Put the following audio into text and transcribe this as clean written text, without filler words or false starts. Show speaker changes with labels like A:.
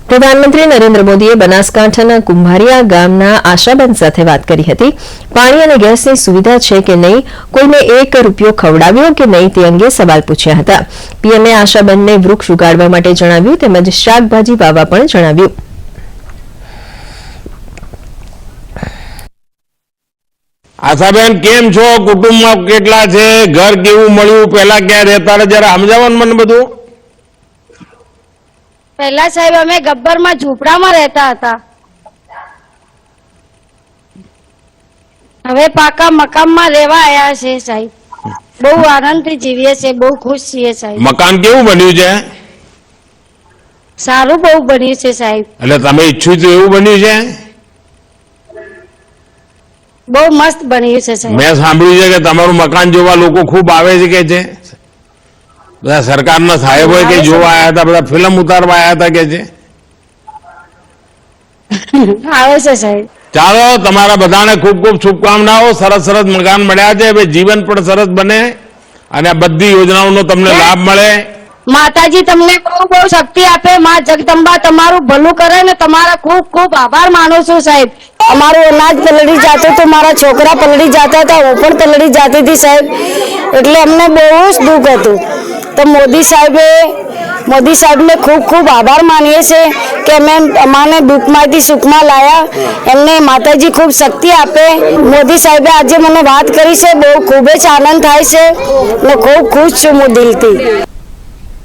A: प्रधानमंत्री नरेन्द्र मोदीए बनासकांठाना कुंभारिया गामना आशाबेन साथे वात करी हती। पाणी अने गैसनी सुविधा छे के नहीं, कोईने 1 रूपियो खवडाव्यो के नहीं ते अंगे सवाल पूछ्या हता। पीएमए आशाबेनने वृक्ष उगाडवा माटे जणाव्युं તેમજ શાકભાજી વાવવા પણ જણાવ્યું।
B: आशाबेन केम छो? कुटुंब में केटला छे? घर केवुं मळ्युं? पहेला क्या रहता था? जरा समजावो ने मने बधुं।
C: पहला साहेब अमे गब्बर में झूपड़ा में रहता था। हवे पाका मकान में रहवा आया छे साहेब। बहु आनंद थी जीवीए छे, बहु खुश छीए साहेब।
B: मकान केवुं बन्युं छे?
C: सारू बहु बन्युं छे साहेब।
B: એટલે તમે ઈચ્છ્યું તો એવું બન્યું છે?
C: बहु मस्त बन्युं छे साहेब।
B: મેં સાંભળ્યું છે કે તમારું મકાન જોવા લોકો ખૂબ આવે છે કે છે? બધા સરકારના સાહેબો કે જોવા આયા હતા, બધા ફિલ્મ ઉતારવા આયા હતા કે છે?
C: આવે છે સાહેબ।
B: ચાલો, તમારા બધાને ખૂબ ખૂબ શુભકામનાઓ। સરસ સરસ મકાન મળ્યા છે, હવે જીવન પણ સરસ બને અને આ બધી યોજનાઓનો તમને લાભ મળે।
C: माताजी तमने बहु बहु शक्ति आपे। मां जगदंबा तमारू भलू करे ने तमारा खूब खूब आभार मानु छू साहेब। अमारू अनाज पलड़ी जातो तो मारा छोकरा पलड़ी जाता था, वो पण पलड़ी जाती थी साहेब, એટલે અમને બહુ જ દુઃખ હતું। તો મોદી સાહેબને ખૂબ ખૂબ આભાર માનીએ છે કે અમે અમાને દુઃખમાંથી સુખમાં લાયા। એમને માતાજી ખૂબ શક્તિ આપે। મોદી સાહેબે આજે મને વાત કરી છે, બહુ ખૂબ જ આનંદ થાય છે। હું ખૂબ ખુશ છું દિલથી।